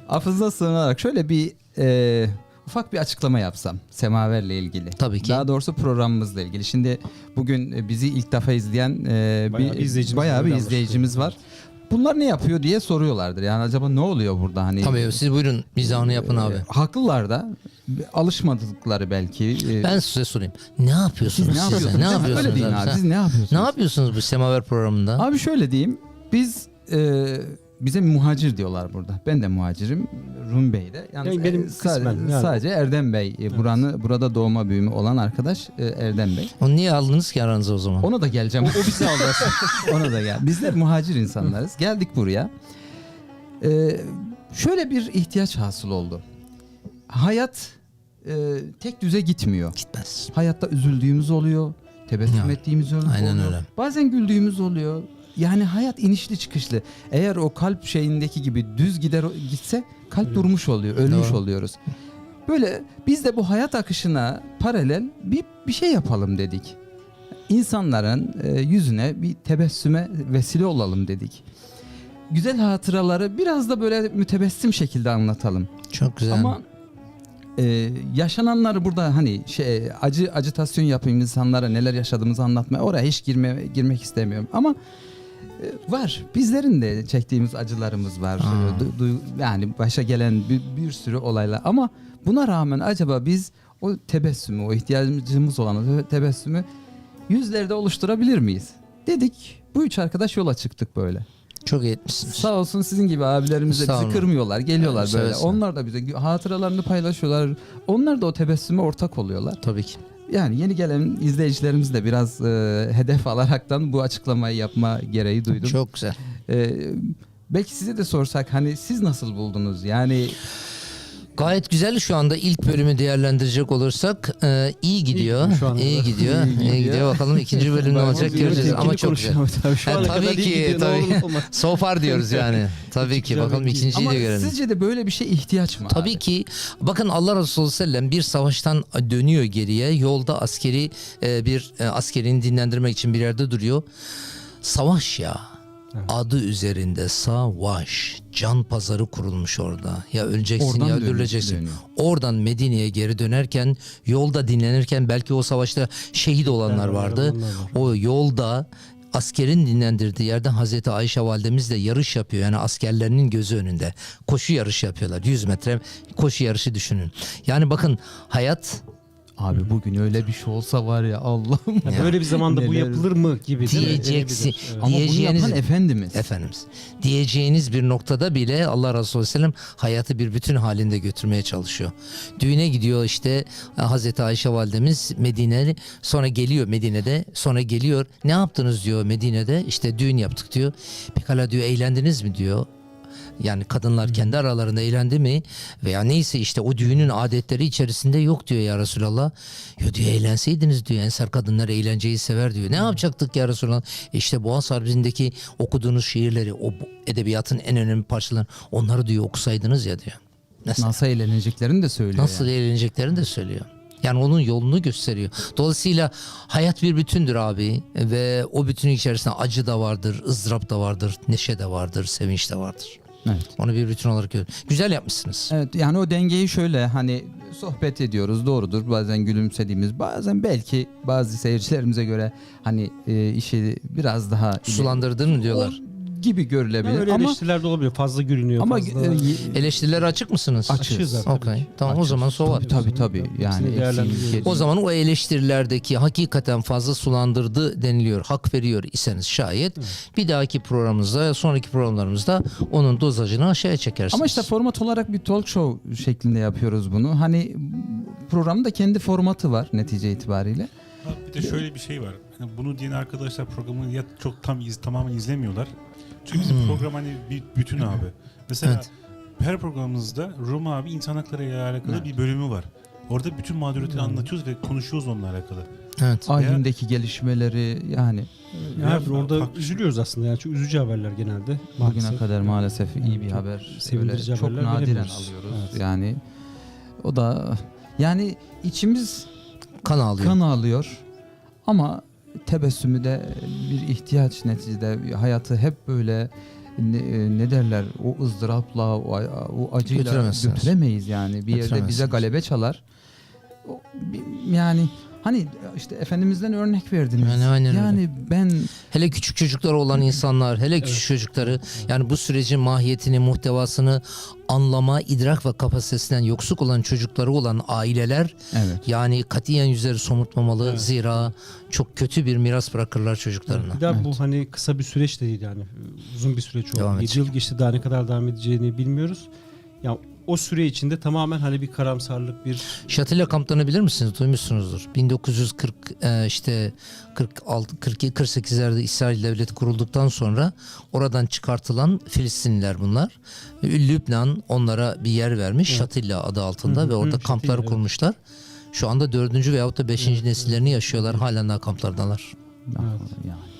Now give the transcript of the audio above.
affınıza sığınarak şöyle bir ufak bir açıklama yapsam Semaver'le ilgili. Tabii ki. Daha doğrusu programımızla ilgili. Şimdi bugün bizi ilk defa izleyen bayağı bir izleyicimiz var. Bunlar ne yapıyor diye soruyorlardır. Yani acaba ne oluyor burada? Hani Tabii siz buyurun mizahını yapın abi. Haklılar da, alışmadıkları belki. Ben size sorayım. Ne yapıyorsunuz Siz ne siz? yapıyorsunuz? Ne yapıyorsunuz Öyle deyin abi. Siz ne yapıyorsunuz? Ne yapıyorsunuz bu Semaver programında? Abi şöyle diyeyim. Biz bize muhacir diyorlar burada. Ben de muhacirim. Rum Bey'de. Yani benim kısmen. Sadece Erdem Bey. Evet. Burada doğma büyüme olan arkadaş Erdem Bey. Onu niye aldınız ki aranıza o zaman? Ona da geleceğim. O bizi aldı. Ona da gel. Biz de muhacir insanlarız. Geldik buraya. Şöyle bir ihtiyaç hasıl oldu. Hayat tek düze gitmiyor. Gitmez. Hayatta üzüldüğümüz oluyor. Tebessüm ettiğimiz oluyor. Aynen öyle. Bazen güldüğümüz oluyor. Yani hayat inişli çıkışlı. Eğer o kalp şeyindeki gibi düz gitse kalp durmuş oluyor. Ölmüş Doğru. oluyoruz. Böyle biz de bu hayat akışına paralel bir şey yapalım dedik. İnsanların yüzüne bir tebessüme vesile olalım dedik. Güzel hatıraları biraz da böyle mütebessim şekilde anlatalım. Çok güzel. Ama yaşananları burada hani acitasyon yapayım, insanlara neler yaşadığımızı anlatmaya, oraya hiç girmek istemiyorum. Ama var. Bizlerin de çektiğimiz acılarımız var. Yani başa gelen bir sürü olaylar. Ama buna rağmen acaba biz o tebessümü, o ihtiyacımız olan o tebessümü yüzlerde oluşturabilir miyiz? Dedik. Bu üç arkadaş yola çıktık böyle. Çok iyi etmişsiniz. Sağ olsun sizin gibi abilerimiz de bizi kırmıyorlar. Geliyorlar böyle. Onlar da bize hatıralarını paylaşıyorlar. Onlar da o tebessüme ortak oluyorlar. Tabii ki. Yani yeni gelen izleyicilerimiz de biraz hedef alaraktan bu açıklamayı yapma gereği duydum. Çok güzel. Belki size de sorsak hani siz nasıl buldunuz? Yani Gayet güzel şu anda ilk bölümü değerlendirecek olursak iyi gidiyor. İyi gidiyor. Bakalım ikinci bölüm ne olacak göreceğiz ama çok güzel. Tabii ki so far diyoruz yani. Tabii ki bakalım ikinciyi de görelim. Ama sizce de böyle bir şey ihtiyaç mı? Tabii abi? ki. Bakın Allah Resulü sallallahu aleyhi ve sellem bir savaştan dönüyor geriye. Yolda askerini dinlendirmek için bir yerde duruyor. Savaş ya. Adı üzerinde savaş. Can pazarı kurulmuş orada. Ya öleceksin Oradan ya öldürüleceksin. dönüyor. Oradan Medine'ye geri dönerken yolda dinlenirken belki o savaşta şehit olanlar vardı. O yolda askerin dinlendirdiği yerde Hazreti Ayşe validemiz de yarış yapıyor. Yani askerlerinin gözü önünde. Koşu yarışı yapıyorlar. 100 metre koşu yarışı düşünün. Yani bakın hayat... Abi bugün öyle bir şey olsa var ya Allah'ım. Ya böyle bir zamanda bu Neler- yapılır mı gibi. Diyeceksin. Evet. Ama bunu Diyeceğiniz yapan Efendimiz. Efendimiz. Diyeceğiniz bir noktada bile Allah Resulü Aleyhisselam hayatı bir bütün halinde götürmeye çalışıyor. Düğüne gidiyor işte Hazreti Ayşe validemiz Medine'li, sonra geliyor Medine'de, sonra geliyor. Ne yaptınız diyor Medine'de, işte düğün yaptık diyor. Pekala diyor, eğlendiniz mi diyor. Yani kadınlar kendi aralarında eğlendi mi veya neyse işte o düğünün adetleri içerisinde yok diyor ya Resulallah. Yo diyor, eğlenseydiniz diyor, ensar kadınlar eğlenceyi sever diyor. Ne yapacaktık ya Resulallah? İşte Boğaz Harbi'ndeki okuduğunuz şiirleri, o edebiyatın en önemli parçaları, onları diyor okusaydınız ya diyor. Mesela, Nasıl eğleneceklerini de söylüyor. nasıl eğleneceklerini de söylüyor. Yani onun yolunu gösteriyor. Dolayısıyla hayat bir bütündür abi ve o bütünün içerisinde acı da vardır, ızdırap da vardır, neşe de vardır, sevinç de vardır. Evet. Onu bir bütün olarak görüyorum. Güzel yapmışsınız. Evet, yani o dengeyi şöyle hani sohbet ediyoruz, doğrudur, bazen gülümsediğimiz, bazen belki bazı seyircilerimize göre hani işi biraz daha Sulandırdın mı diyorlar. gibi görülebilir Öyle ama eleştiriler de olabilir. Fazla gülünüyor. ama fazla... Eleştirilere açık mısınız? Açığız zaten. Okay. Tamam, o zaman sova. tabii yani Hepsini değerlendiriyoruz. O zaman o eleştirilerdeki hakikaten fazla sulandırdı deniliyor, hak veriyor iseniz şayet, bir dahaki programımızda, sonraki programlarımızda onun dozajını aşağıya çekersiniz. ama işte format olarak bir talk show şeklinde yapıyoruz bunu. Hani programın da kendi formatı var netice itibariyle. Bir de şöyle bir şey var. Hani bunu diyen arkadaşlar programı ya çok tamamen izlemiyorlar. Çünkü bizim program hani bir bütün abi. Mesela Evet. her programımızda Rum abi insan hakları ile alakalı bir bölümü var. Orada bütün mağduriyetleri anlatıyoruz ve konuşuyoruz onunla alakalı. Evet. Alemdeki gelişmeleri yani Yani orada farklı- üzülüyoruz aslında. Yani çok üzücü haberler genelde. bugüne kadar maalesef iyi bir haber sevindirici öyle çok haberler nadiren veremiyoruz. alıyoruz. Evet. Yani o da yani içimiz Kan ağlıyor. kan ağlıyor ama tebessümü de bir ihtiyaç neticede. Hayatı hep böyle ne derler, o ızdırapla, o acıyla Götüremezsiniz. götüremeyiz yani. Bir yerde bize Götüremezsiniz. galebe çalar. Yani hani işte Efendimiz'den örnek verdiniz. Yani aynen öyle. yani ben Hele küçük çocukları olan insanlar, hele küçük çocukları, yani bu sürecin mahiyetini, muhtevasını anlama, idrak ve kapasitesinden yoksuk olan çocukları olan aileler evet. yani katiyen yüzleri somurtmamalı. Evet. Zira çok kötü bir miras bırakırlar çocuklarına. Bir daha Evet. bu hani kısa bir süreç de değil yani. Uzun bir süreç oldu. Devam 7 edecek. yıl geçti, daha ne kadar devam edeceğini bilmiyoruz. Ya o süre içinde tamamen hani bir karamsarlık, bir Şatilla kamplarını bilir misiniz? Duymuşsunuzdur. 1940 işte 46 42 48'lerde İsrail devleti kurulduktan sonra oradan çıkartılan Filistinliler bunlar. Lübnan onlara bir yer vermiş. Evet. Şatilla adı altında Hı hı, ve orada Şatilla, kampları evet. kurmuşlar. Şu anda 4. veyahut da 5. Evet, nesillerini yaşıyorlar. Halen daha kamplardalar. Evet. Yani